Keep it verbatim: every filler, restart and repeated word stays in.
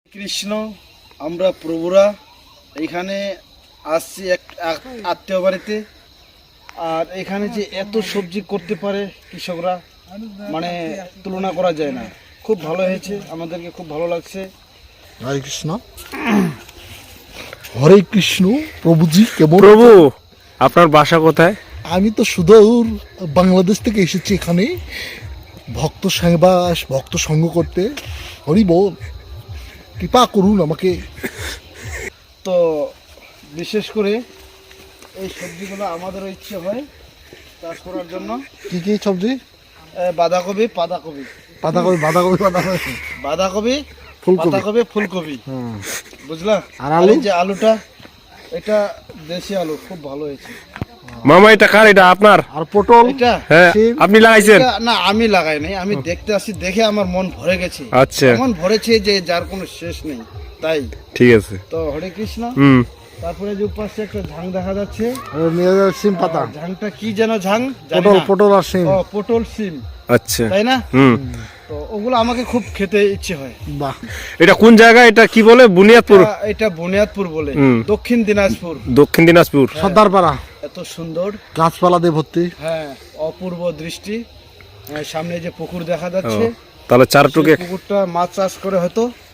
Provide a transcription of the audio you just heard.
কৃষ্ণ, আমরা প্রভুরা এখানে আসছি এক আত্মীয় বাড়িতে। আর এখানে যে এত সবজি করতে পারে কৃষকরা, মানে তুলনা করা যায় না। খুব ভালো হয়েছে, আমাদেরকে খুব ভালো লাগছে। হরে কৃষ্ণ, হরে কৃষ্ণ। প্রভুজি কেমন? প্রভু, আপনার বাসা কোথায়? আমি তো সুদূর বাংলাদেশ থেকে এসেছি এখানে ভক্ত সেবা, ভক্ত সঙ্গ করতে। হরি বল, কৃপা করুন আমাকে। তো বিশেষ করে এই সবজিগুলো আমাদেরও ইচ্ছে হয় চাষ করার জন্য। কি কি সবজি? এ, বাঁধাকপি, পাতাকপি, বাঁধাকপি, বাঁধাকপি, বাঁধাকপি, বাঁধাকপি, ফুলকপি, পাতাকপি, ফুলকপি, বুঝলা? আর আলু? এই যে আলুটা, এটা দেশি আলু, খুব ভালো হয়েছে। মামা, এটা কার? এটা আপনার? আর পটল। এটা হ্যাঁ, সিম। আপনি লাগাইছেন? এটা না, আমি লাগাই নাই, আমি দেখতে আসি, দেখে আমার মন ভরে গেছে। আচ্ছা, মন ভরেছে যে যার কোনো শেষ নেই, তাই। ঠিক আছে। তো হরে কৃষ্ণ। হুম তারপরে যে উপাসে একটা ঝাং দেখা যাচ্ছে, আর নিয়ে যাও সিম পাতা, ঝাংটা কি যেন ঝাং, জানি পটল, না। পটল আর সিম। ও, পটল সিম, আচ্ছা। তাই না? হুম তো ওগুলো আমাকে খুব খেতে ইচ্ছে হয়। বাহ, এটা কোন জায়গা? এটা কি বলে? বুনিয়াদপুর? এটা- এটা বুনিয়াদপুর বলে, হুম। দক্ষিণ দিনাজপুর। দক্ষিণ দিনাজপুর। সর্দারপাড়া। এত সুন্দর, গাছপালা দিয়ে ভর্তি। হ্যাঁ, অপূর্ব দৃষ্টি। হ্যাঁ, সামনে যে পুকুর দেখা ও, যাচ্ছে, তাহলে চারটুকে সেই পুকুরটা মাছ চাষ করে হয়তো।